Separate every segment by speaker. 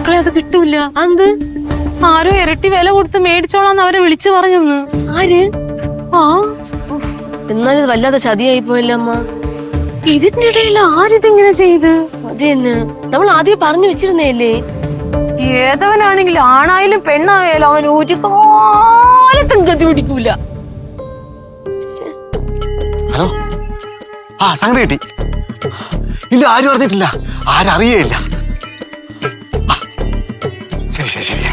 Speaker 1: മക്കളെ അത് കിട്ടൂല. എന്ത് ആരോ ഇരട്ടി വില കൊടുത്ത് മേടിച്ചോളാന്ന് അവരെ വിളിച്ചു പറഞ്ഞെന്ന്. ആര്? ആ
Speaker 2: എന്നാലും ഇത് വല്ലാതെ ചതിയായി പോയല്ലോ അമ്മ.
Speaker 1: ഇതിന്റെ ഇടയിൽ ആരിതിങ്ങനെ ചെയ്ത്?
Speaker 2: അത് തന്നെ നമ്മൾ ആദ്യം പറഞ്ഞു വെച്ചിരുന്നേല്ലേ.
Speaker 1: ഏതവനാണെങ്കിലും ആണായാലും പെണ്ണായാലും അവൻ ഒരു കാലത്തും ഗതി പിടിക്കൂല.
Speaker 3: ഹലോ, ആ സംഗതി കിട്ടി. ഇല്ല, ആരും അറിഞ്ഞിട്ടില്ല, ആരറിയേയില്ല. ശരി ശരി ശരി.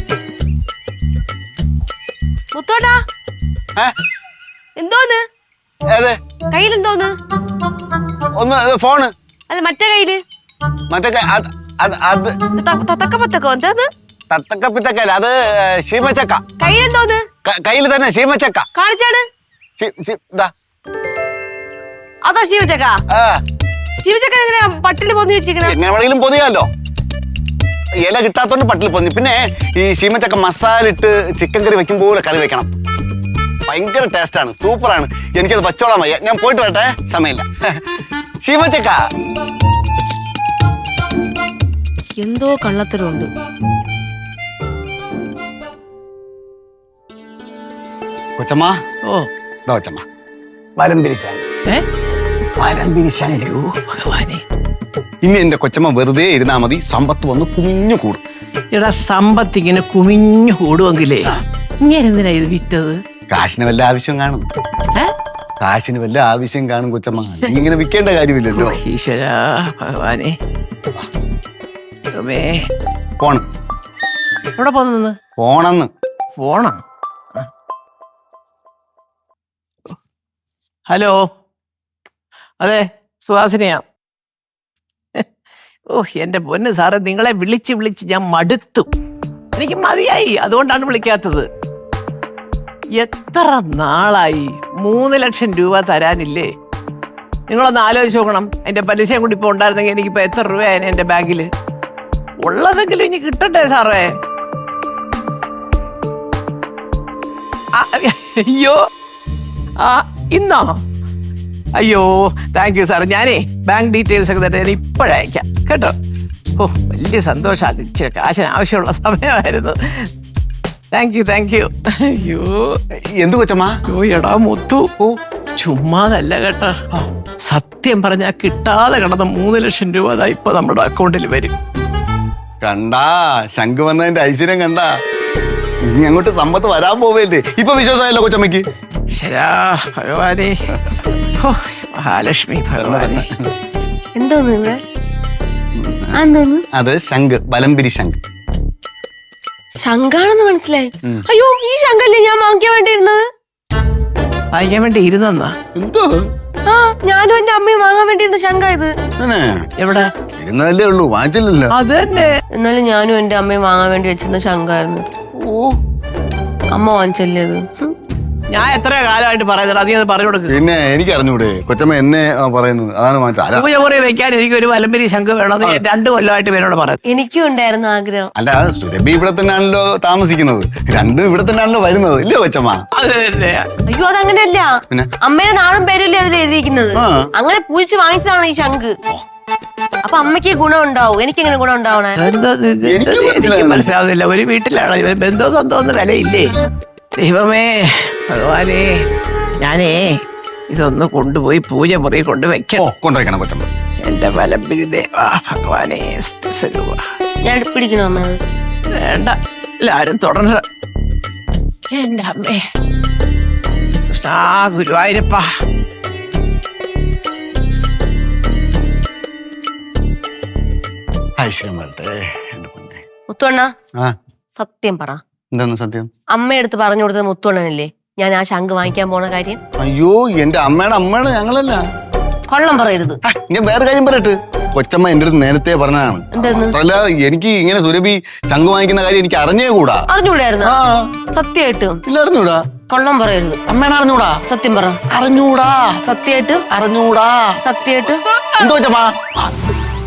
Speaker 2: മുത്തോട്ടാ, എന്തോന്ന് കയ്യിൽ? എന്തോന്ന്?
Speaker 3: ഒന്ന് ഫോണ്.
Speaker 2: അല്ല മറ്റേ കയ്യില്?
Speaker 3: മറ്റേ
Speaker 2: തക്കപ്പത്തക്കോ എന്താന്ന്?
Speaker 3: തത്തക്കപ്പിത്തക്കല്ല, അത് ശീമച്ചക്ക.
Speaker 2: കയ്യിൽ എന്തോന്ന്?
Speaker 3: കയ്യിൽ തന്നെ ശീമച്ചക്ക.
Speaker 2: കാണിച്ചാണ്. അതാ ശീമച്ചക്ക. ശീമച്ചക്ക എങ്ങനെയാ പട്ടില് പൊന്നി വെച്ചിരിക്കണേ?
Speaker 3: എങ്ങനെ വേണമെങ്കിലും പൊതിയാലോ. ഇല കിട്ടാത്തോണ്ട് പട്ടിൽ പൊന്നി. പിന്നെ ഈ ശീമച്ചക്ക മസാല ഇട്ട് ചിക്കൻ കറി വെക്കും പോലെ കറി വെക്കണം. ഭയങ്കര ടേസ്റ്റാണ്, സൂപ്പറാണ്. എനിക്കത് പച്ചോളാൻ വയ്യ, ഞാൻ പോയിട്ട് വരട്ടെ, സമയമില്ല. ശീമച്ചക്ക
Speaker 2: എന്തോ കള്ളത്തരമുണ്ട്.
Speaker 3: കൊച്ചമ്മ.
Speaker 4: ഓ
Speaker 3: കൊച്ചമ്മ വരംപിരിശാൻ.
Speaker 4: ഭഗവാനെ,
Speaker 3: ഇനി എന്റെ കൊച്ചമ്മ വെറുതെ ഇരുന്നാ മതി, സമ്പത്ത് വന്ന് കുഞ്ഞു കൂടും.
Speaker 4: എടാ, സമ്പത്ത് ഇങ്ങനെ കുമിഞ്ഞു കൂടുമെങ്കിലേ ഇങ്ങനെ എന്തിനാ ഇത് വിറ്റത്?
Speaker 3: കാശിന് വല്ല ആവശ്യം കാണും. കാശിന് വല്ല ആവശ്യം കാണും കൊച്ചമ്മ. ഇങ്ങനെ വിൽക്കേണ്ട കാര്യമില്ലല്ലോ.
Speaker 4: ഈശ്വരാ ഭഗവാനെ.
Speaker 3: ഫോൺ
Speaker 4: എവിടെ പോന്ന്?
Speaker 3: ഫോണെന്ന്.
Speaker 4: ഫോണാ? ഹലോ, അതെ, സുഹാസിനിയാ. ഓ എന്റെ പൊന്ന് സാറേ, നിങ്ങളെ വിളിച്ച് വിളിച്ച് ഞാൻ മടുത്തു. എനിക്ക് മതിയായി, അതുകൊണ്ടാണ് വിളിക്കാത്തത്. എത്ര നാളായി 3 ലക്ഷം രൂപ തരാനില്ലേ? നിങ്ങളൊന്ന് ആലോചിച്ച് നോക്കണം. അതിന്റെ പലിശയും കൂടി ഇപ്പൊ ഉണ്ടായിരുന്നെങ്കിൽ എനിക്കിപ്പോ എത്ര രൂപയായിരുന്നു എന്റെ ബാങ്കില്? ഉള്ളതെങ്കിലും ഇനി കിട്ടട്ടെ സാറേ. അയ്യോ, ഇന്നോ? അയ്യോ, താങ്ക് യു സാർ. ഞാനേ ബാങ്ക് ഡീറ്റെയിൽസ് ഒക്കെ തന്നെ ഇപ്പോഴയക്കാം കേട്ടോ. ഓ വലിയ സന്തോഷം. അത് ഇച്ചിരി കാശിന് ആവശ്യമുള്ള സമയമായിരുന്നു. Thank you, thank you. അയ്യോ
Speaker 3: എന്തു കൊച്ചമ്മ?
Speaker 4: എടാ മുത്തു, ചുമ്മാതല്ല കേട്ടോ. സത്യം പറഞ്ഞാൽ കിട്ടാതെ കിടന്ന 3 ലക്ഷം രൂപ അതാ ഇപ്പൊ നമ്മുടെ അക്കൗണ്ടിൽ വരും.
Speaker 3: കണ്ടാ, ശംഖ് വന്നതിന്റെ ഐശ്വര്യം കണ്ടാ. ഇനി അങ്ങോട്ട് സമ്പത്ത് വരാൻ പോവല്ലേ. ഇപ്പൊ വിശ്വാസമായല്ലോ കൊച്ചമ്മക്ക്.
Speaker 4: ശരാ ഭഗവാനെ, മഹാലക്ഷ്മി ഭഗവാനെ.
Speaker 2: എന്തോന്ന് ഇവിടെ? എന്തോന്ന്?
Speaker 3: അത് ശംഖ്, വലംപിരി ശംഖ്.
Speaker 2: ശങ്കാണെന്ന് മനസ്സിലായി. അയ്യോ, ഈ ശങ്കല്ലേ ഞാൻ വാങ്ങിക്കാൻ വേണ്ടിയിരുന്നത്.
Speaker 4: വാങ്ങിക്കാൻ വേണ്ടി ഇരുന്നെന്നാ?
Speaker 3: എന്തോ?
Speaker 2: ആ, ഞാനും എന്റെ അമ്മയും വാങ്ങാൻ വേണ്ടിയിരുന്ന ശങ്ക ഇത്.
Speaker 4: എവിടെ
Speaker 3: ഇരുന്നതല്ലേ ഉള്ളൂ, വാങ്ങിച്ചില്ലല്ലോ.
Speaker 4: അത് തന്നെ.
Speaker 2: എന്നാലും ഞാനും എന്റെ അമ്മയും വാങ്ങാൻ വേണ്ടി വെച്ചിരുന്ന ശങ്കായിരുന്നു. ഓ, അമ്മ വാങ്ങിച്ചല്ലേ അത്?
Speaker 4: ഞാൻ എത്ര കാലമായിട്ട് പറയുന്നത്, നീ അത് പറഞ്ഞു കൊടുക്കുക.
Speaker 3: പിന്നെ എനിക്ക് അറിഞ്ഞൂടെ കൊച്ചമ്മ എന്നെ പറയുന്നത്, അതാണ് വാങ്ങിച്ചത്.
Speaker 4: പൂജ മുറി വെക്കാൻ എനിക്ക് ഒരു വലംപിരി ശംഖ് വേണമെന്ന് 2 കൊല്ലമായിട്ട് എന്നോട് പറഞ്ഞു.
Speaker 2: എനിക്കും ഉണ്ടായിരുന്നു ആഗ്രഹം.
Speaker 3: അല്ല, സുരഭി ഇവിടെ തന്നെയാണല്ലോ താമസിക്കുന്നത്, രണ്ടും ഇവിടെ തന്നെയാണല്ലോ വരുന്നത്, ഇല്ലേ കൊച്ചമ്മ?
Speaker 4: അത് തന്നെ.
Speaker 2: അയ്യോ, അതങ്ങനെയല്ല. അമ്മയുടെ നാളും പേരല്ലേ അതിൽ എഴുതിയിരിക്കുന്നത്. അങ്ങനെ പൂജിച്ച് വാങ്ങിച്ചതാണ് ഈ ശംഖ്. അപ്പൊ അമ്മയ്ക്ക് ഗുണം ഉണ്ടാവും, എനിക്കെങ്ങനെ ഗുണം ഉണ്ടാവണേ?
Speaker 4: എനിക്ക് മനസ്സിലാവുന്നില്ല. ഒരു വീട്ടിലാണ് ബന്ധോ സ്വന്തം ഒന്നും വിലയില്ലേ? ദൈവമേ ഭഗവാനെ, ഞാനേ ഇതൊന്ന് കൊണ്ടുപോയി പൂജ മുറി
Speaker 3: കൊണ്ടുവയ്ക്കണം കൊച്ചമ്മ.
Speaker 4: എന്റെ വലംപിരി ദേവാ ഭഗവാനെ.
Speaker 2: ഞാൻ പിടിക്കണോ അമ്മ?
Speaker 4: വേണ്ട, എല്ലാരും തുടർന്ന്. എന്റെ അമ്മേ കൃഷ്ണാ ഗുരുവായൂരപ്പ.
Speaker 3: ഐശ്വര്യം വരട്ടെ എന്റെ പൊന്നെ.
Speaker 2: മുത്തുവണ്ണ, സത്യം പറ.
Speaker 3: എന്താണ് സത്യം?
Speaker 2: അമ്മയെടുത്ത് പറഞ്ഞു കൊടുത്തത് മുത്തുവണ്ണനല്ലേ ഞാൻ ആ ശംഖ് വാങ്ങിക്കാൻ പോണ കാര്യം?
Speaker 3: അയ്യോ, എന്റെ അമ്മയുടെ ഞങ്ങളല്ല.
Speaker 2: കൊള്ളം പറയരുത്.
Speaker 3: ഞാൻ വേറെ കാര്യം പറയട്ടെ. കൊച്ചമ്മ എന്റെ അടുത്ത് നേരത്തെ പറഞ്ഞതാണ്. അല്ല, എനിക്ക് ഇങ്ങനെ സുരഭി ശംഖ് വാങ്ങിക്കുന്ന കാര്യം എനിക്ക് അറിഞ്ഞുകൂടാ.
Speaker 2: അറിഞ്ഞൂടായിരുന്നു? സത്യമായിട്ടും
Speaker 3: ഇല്ല, അറിഞ്ഞൂടാ.
Speaker 2: കൊള്ളം പറയരുത്.
Speaker 3: അമ്മേനെ അറിഞ്ഞൂടാ?
Speaker 2: സത്യം പറ.
Speaker 3: അറിഞ്ഞൂടാ.
Speaker 2: സത്യമായിട്ടും?
Speaker 3: അറിഞ്ഞൂടാ.
Speaker 2: സത്യമായിട്ടും?
Speaker 3: എന്തോ കൊച്ചമ്മ?